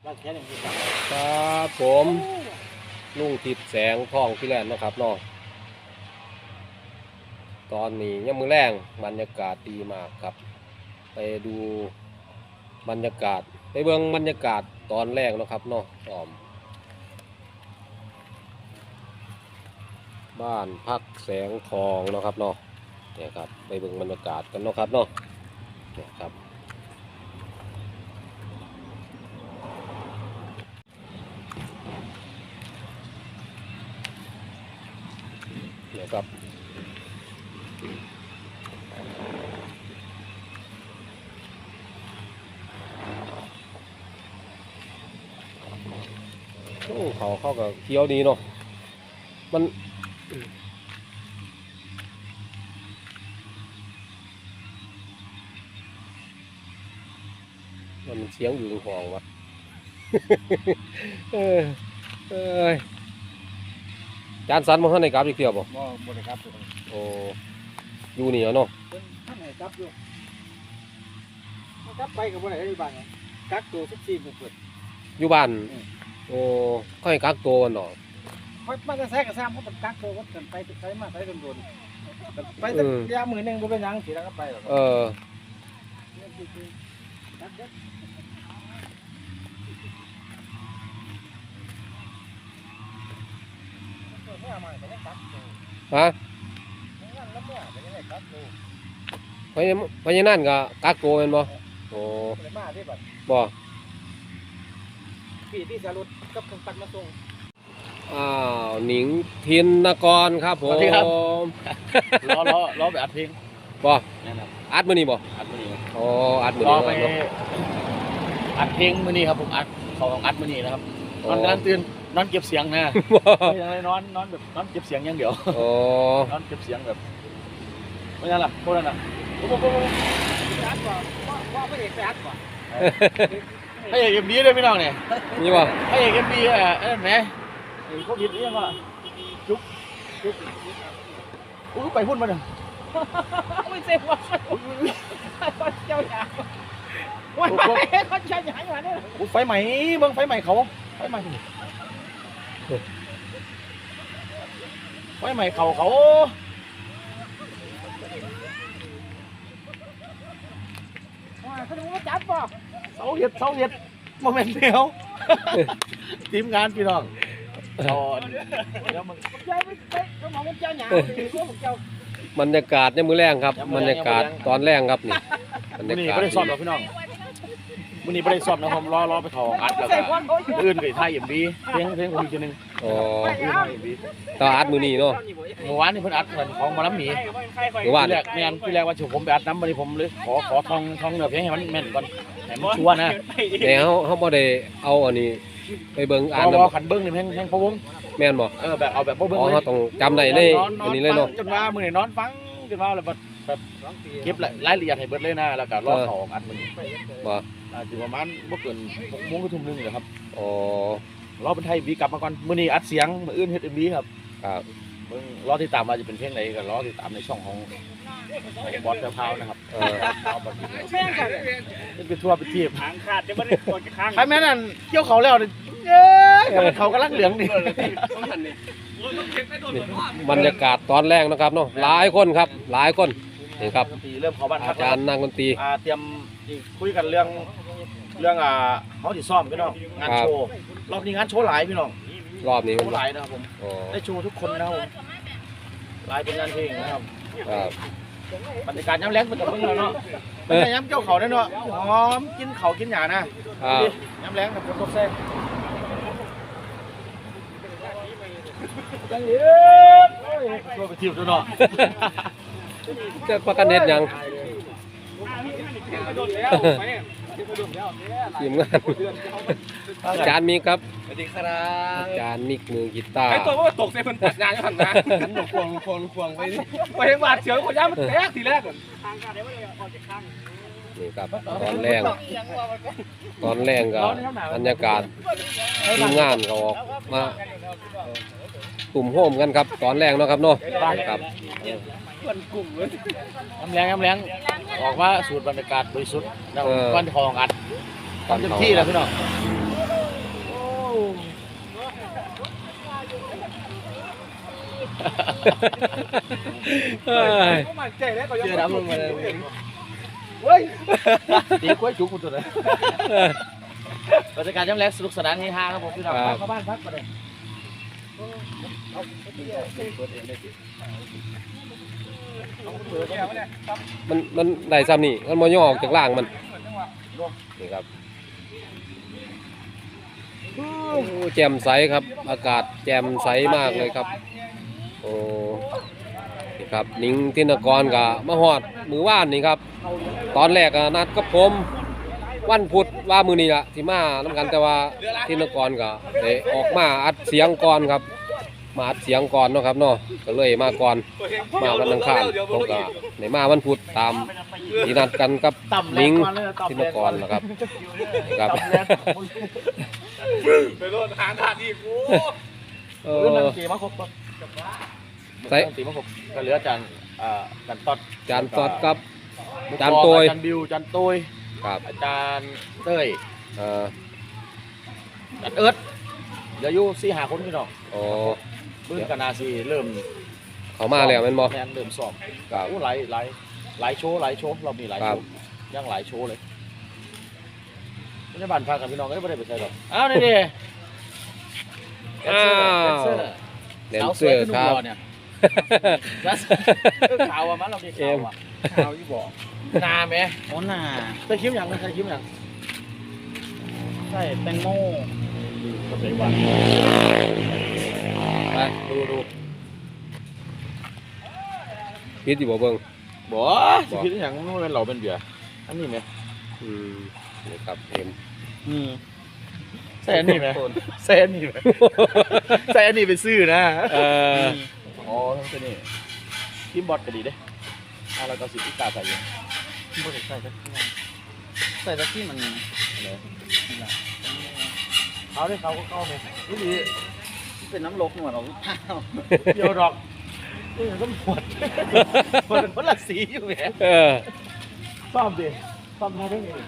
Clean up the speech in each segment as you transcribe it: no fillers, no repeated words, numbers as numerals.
ครับผมลุงทิดแสงทองพี่แลนด์นะครับน้องตอนนี้ยังมือแรงบรรยากาศดีมากครับไปดูบรรยากาศไปเบิ่งบรรยากาศตอนแรกนะครับน้องบ้านพักแสงทองนะครับเนาะเนี่ยครับไปเบิ่งบรรยากาศกันเนาะครับเนาะเนี่ยครับเนี่ยครับโอ้เขาเข้ากับเคี้ยวดีเนาะมันเสียงอยู่ในห้องวะ เออเอยจานสันมาให้ในกราฟอีกเดียวบ่บ่ได้ครับโอ้อยู่นี่เนาะท่านไหนครับอยู่ครับไปกับบ่ได้ที่บ้านกักตัว14มื้อเปิดอยู่บ้านโอ้เขาให้กักตัวกันเนาะมันจะแซกกับซ้ำเขาต้องกักตัวกันไปใช้มาใช้โดนๆไปสักยามมื้อนึงบ่เป็นหยังสิแล้วก็ไปหรอกฮะพญานั่นก็กักตัวเป็นบ่โอ้บ่พี่สรุปกับคนปัดมาส่งหนิงทินนกรครับผมรอไปอัดเพลงบ่อัดมื้อนี้บ่อัดมื้อนี้อ๋ออัดมื้อนี้รอไปอัดเพลงมื้อนี้ครับผมอัดของอัดมื้อนี้นะครับนอนตื่นนอนเก็บเสียงนะไม่ใช่นอนแบบนอนเก็บเสียงอย่างเดียวนอนเก็บเสียงแบบไม่ใช่ล่ะพวกนั้นน่ะอัดก่อนว่าพระเอกไปอัดก่อนพระเอกMVด้วยพี่น้องเนี่ยนี่บ่พระเอกMVแหมโควิดนี่ยังว่าจุ๊บไปพุ่นมาหนึ่งไม่เซฟว่าเจ้าหยาว่าเขาเจ้าหยาอยู่เนี่ยไฟใหม่เบิ่งไฟใหม่เขาไฟใหม่เขาเขาดูว่าจับป่ะเสาเห็ดโมเมนต์เดียวทีมงานพี่น้องบรรยากาศเนี่ยมือแรงครับบรรยากาศตอนแรงครับนี่บรรยากาศไม่ได้สอบหรอกพี่น้องวันนี้ไม่ได้สอบนะผมรอไปเขาอัดแล้วก็อื่นกับไทยMVเพลงผมอีกทีนึงต่ออัดมือนี้เนาะเมื่อวานนี่เพิ่นอัดเหมือนของมาล้ำหมีเมื่อวานพี่แรกว่าผมไปอัดน้ำวันนี้ผมเลยขอท่องเนื้อเพลงให้มันแม่นก่อนให้มันชัวร์นะแต่เขาบ่ได้เอาอันนี้ไปเบิ่งอ่านขันเบิ้งนี่เพลงพะวงแม่นบ่แบบเอาแบบพะวงเลยเขาต้องจำได้ในอันนี้เลยเนาะจนว่ามื้อนี้นอนฟังจนว่าแบบเก็บรายละเอียดให้เบิดเลยนะแล้วก็รอเขาอัดมื้อนี้บ่อยู่ประมาณบ่เกิน 6:00 น ทุ่มนึงเลยครับอ๋อรอเป็นไทยวีกลับมาก่อนมื้อนี้อัดเสียงมื้ออื่นเฮ็ดMVครับครับเบิ่งรอติดตามว่าจะเป็นเพลงไหนก็รอติดตามในช่องของบอสเท้านะครับเป็นทั่วไปทีบหางขาดจะไม่ได้ปวดข้างใครแม่นั่นเกี่ยวเขาแล้วเขากำลังเหลืองนี่บรรยากาศตอนแรกนะครับเนาะหลายคนครับหลายคนนี่ครับเริ่มเข้าบ้านอาจารย์นางดนตรีเตรียมคุยกันเรื่องเขาที่ซ่อมพี่น้องงานโชว์รอบนี้งานโชว์หลายพี่น้องรอบนี้โชว์หลายนะครับผมได้โชว์ทุกคนนะครับผมหลายเป็นงานเพลงนะครับบรรยากาศย้ำแรงเป็นตัวเพิ่งเนาะเป็นย้ำเจ้าเขาเนาะหอมกินเขากินหยานะย้ำแรงกับคนตกแซ่ยังเหลือตัวไปทิวตัวเนาะจะประกันเน็ตยังทีมงานอาจารย์มีครับสวัสดีครับอาจารย์มิกมือกีตาร์ไอตัวว่าตกใส่คนตัดงานยังหันนะควงไปไปเห็นบาดเฉียวคนย่ามันแตกทีแรกก่อนนี่ครับตอนแรกกับบรรยากาศทีมงานเขาออกมากลุ่มโฮมกันครับตอนแรกเนาะครับเนาะครับย้ำแรงออกว่าสูตรบรรยากาศบริสุทธิ์ก้อนทองอัดก้อนเต็มที่แล้วพี่น้องเอ้ยเชื่อน้ำลงมาเลยเฮ้ยตีกล้วยจุกกูตัวเลยบรรยากาศย่ำแรงสนุกสนานเฮฮาครับผมพี่น้องเข้าบ้านพักมาเลยมันได้ซ้ำนี่มันบ่ย่อออกจากล่างมันนี่ครับโอ้แจ่มใสครับอากาศแจ่มใสมากเลยครับโอ้นี่ครับนิ้งธินกรกับมาฮอดมือว่านนี่ครับตอนแรกนัดกับผมวันพุธว่ามือนี้ละที่มาน้ำกันแต่ว่าธินกรก็ได้ออกมาอัดเสียงก่อนครับมาอัดเสียงก่อนเนาะครับเนาะก็เลยมาก่อนมาวันอังคารผมก็ได้มาวันพุธตามที่นัดกันกับนิ้งธินกรนะครับครับไปโดนหางขาดอีกกูเรื่องตีมะครบใส่ตีมะครบก็เหลือจานจานตอดจานสดกับจานโตยจานบิวจานโตยครับอาจารย์เต้ยเอ่ออาจารย์เอิร์ดเดี๋ยวอยู่4-5 คนพี่น้องโอ้เบื้องกันนาซีเริ่มเขามาแล้วแม่นบ่แมนเริ่มสอบครับโอ้หลายโชว์เรามีหลายครัโชบว์ยังหลายโชว์เลยไม่ได้บ้านพักกับพี่น้องก็ไม่ได้ไปใช่หรอกอ้าวนี่ดิอ้าว แดนเซอร์ครับเนี่ยข่าวอ่ะมันเรามีข่าวอ่ะข่าวยี่บอกนาไหมโอ้น่าใส่คิ้วยังใส่คิ้วยังใส่แตงโมก็ใส่วันไปดูพิษอยู่บ่เบิ่งบ่สิคิดอย่างนู้นเป็นเราเป็นเบียร์อันนี้ไหมอืมนี่ครับเอ็มใส่อันนี้ไหมใส่อันนี้ไหมใส่อันนี้ไปซื้อนะเอ่ออ๋อทั้งตัวนี้ทีมบอสก็ดีเด้เราก็10 อีกตาใส่อยู่บ่ได้ใส่ตะกี้ใส่ตะกี้มันเขาได้เขาก็เข้าไหมนี่ดีเป็นน้ำลกหนวดของข้าวเดียวดอกนี่มันก็หมดหมดเป็นคนละสีอยู่แหมเออซ่อมดิซ่อมได้ได้ไง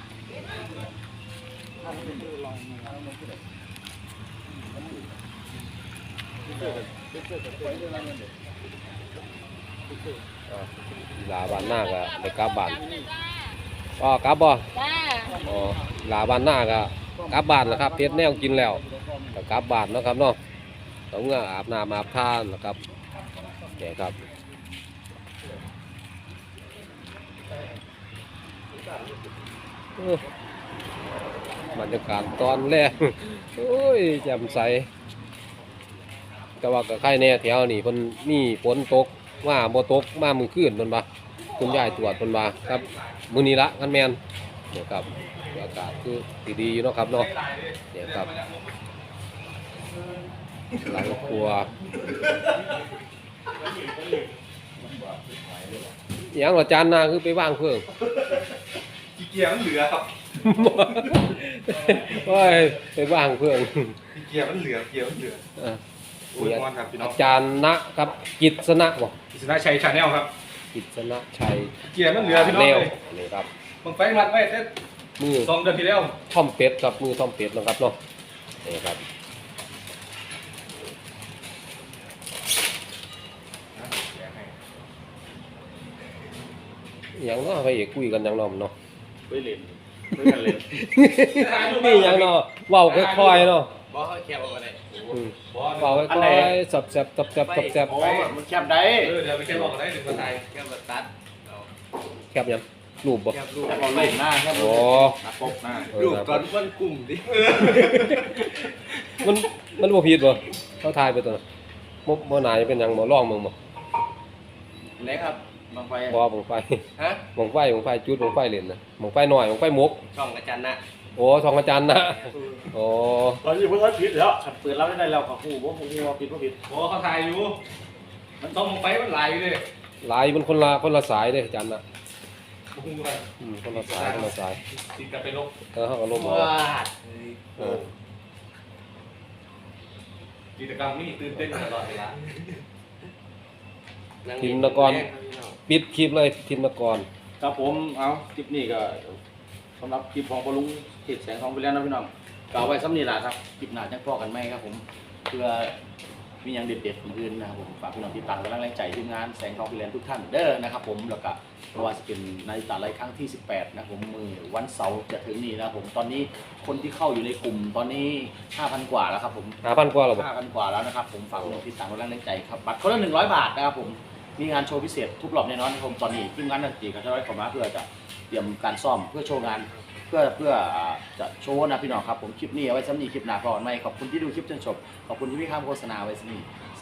ลาบ้านหน้าก็ได้กลับบ้านอ๋อกลับบ่จ้าอ๋อลาบ้านหน้าก็กลับบ้านแล้วครับเฮ็ดแนวกินแล้วก็กลับบ้านเนาะครับเนาะต้องอาบน้ำอาบท่านะครับแกครับบรรยากาศตอนแรก โอ้ยแจ่มใสแต่ว่าก็ใครแน่แถวนี่เพิ่นมีฝนตกมาบ่ตกมามื้อคืนเพิ่นว่าคุณยายตรวจเพิ่นว่าครับมื้อนี้ละกันแม่นเนี่ยครับอากาศคือดีๆอยู่เนาะครับเนาะเนี่ยครับหลังครัวอหยังว่าจานหน้าคือไปวางเพิ่งขี้เกียจมันเหลือครับโอ้ยไปว่างเพื่อนขี้เกียจมันเหลือเกียจมันเหลือเออโอ้ยมอนครับพี่น้ออาง จารย์นะครับกิตสนะบอกกิษณะชัยชาแนลครับกิตสนะชัยขี้เกียจมันเหลือพี่น้องแนวเลยนี่ครับมึงไฟมัดไว้แต่มือ 2 เดือนที่แล้วท่อมเป็ดครับมือท่อมเป็ดนะครับเนาะนี่ครับอหย่างเนาะไปเอกคุยกันอยังเนาะเนาะไปเล่นไปกันเล่นนี่อหยังเนาะเว้าค่อยๆเนาะบอสแคบเอาไปอืมเว้าค่อยๆสับๆตับๆแซ่บโอ้มันแคบได้เดี๋ยวไปแค่บอกกันได้1 คนไทยแคบแบบตัดๆแคบหยังรูปบ่แคบลูกแคบเอาเล่นหน้าแคบโอ้ตัดปกหน้ารูปก่อนวันกลุ่มดิมันบ่ผิดบ่เขาทายไปตัวน่ะบ่น่าจะเป็นหยังบ่ลองมึงบ่ไหนครับบางไฟบ่บังไฟฮะบังไฟจุดบังไฟเล่นนะบังไฟน้อยบังไฟมุกช่องอาจารย์นะโอ้ทองอาจารย์นะโอ้ตอนนี้เพิ่งผิดแล้วขัดเปิดเราได้แล้วกับผู้ว่าผู้ว่าผิดว่าผิดโอ้เขาถ่ายอยู่มันต้องมึงไฟมันไหลอยู่เลยหลายมันคนละสายเด้อาจารย์นะมึงอะไรคนละสายติดกันไปลบเฮาก็ลบเอาเออกิจกรรมนี่ตื่นเต้นตลอดเวลาทิมนกรปิดคลิปเลยทิมนกรครับผมเอาคลิปนี้ก็สำหรับคลิปของปลุงเขตแสงทองไปแล้วนะพี่น้องก็เอาไว้ซ้ำนี่แหละครับคลิปหน้าจังพอกันไหมครับผมเพื่อมีอย่างเด็ดๆอื่นนะครับผมฝากพี่น้องติดตามกำลังแรงใจทีมงานแสงทองพิเรนทุกท่านเด้อนะครับผมแล้วก็เพราะว่าจะเป็นนาฬิกาไลฟ์ครั้งที่ 18นะครับผมมือวันเสาร์จะถึงนี้นะครับผมตอนนี้คนที่เข้าอยู่ในกลุ่มตอนนี้ 5,000 กว่าแล้วครับผม 5,000 กว่าแล้วบ่ 5,000 กว่าแล้วนะครับผมฝากพี่น้องติดตามกำลังแรงใจครับบัตรคนละ100 บาทนะครับผมมีงานโชว์พิเศษทุกรอบแน่นอนนะครับผมตอนนี้ทีมงานนักดนตรีก็จะร้อยเข้ามาเพื่อจะเตรียมการซ่อมเพื่อโชว์งาน เพื่อจะโชว์นะพี่น้องครับผมคลิปนี้เอาไว้ซ้ำนี้คลิปหน้าก่อนไหมขอบคุณที่ดูคลิปจนจบขอบคุณที่พี่ข้ามโฆษณาไว้ซ้ำนี้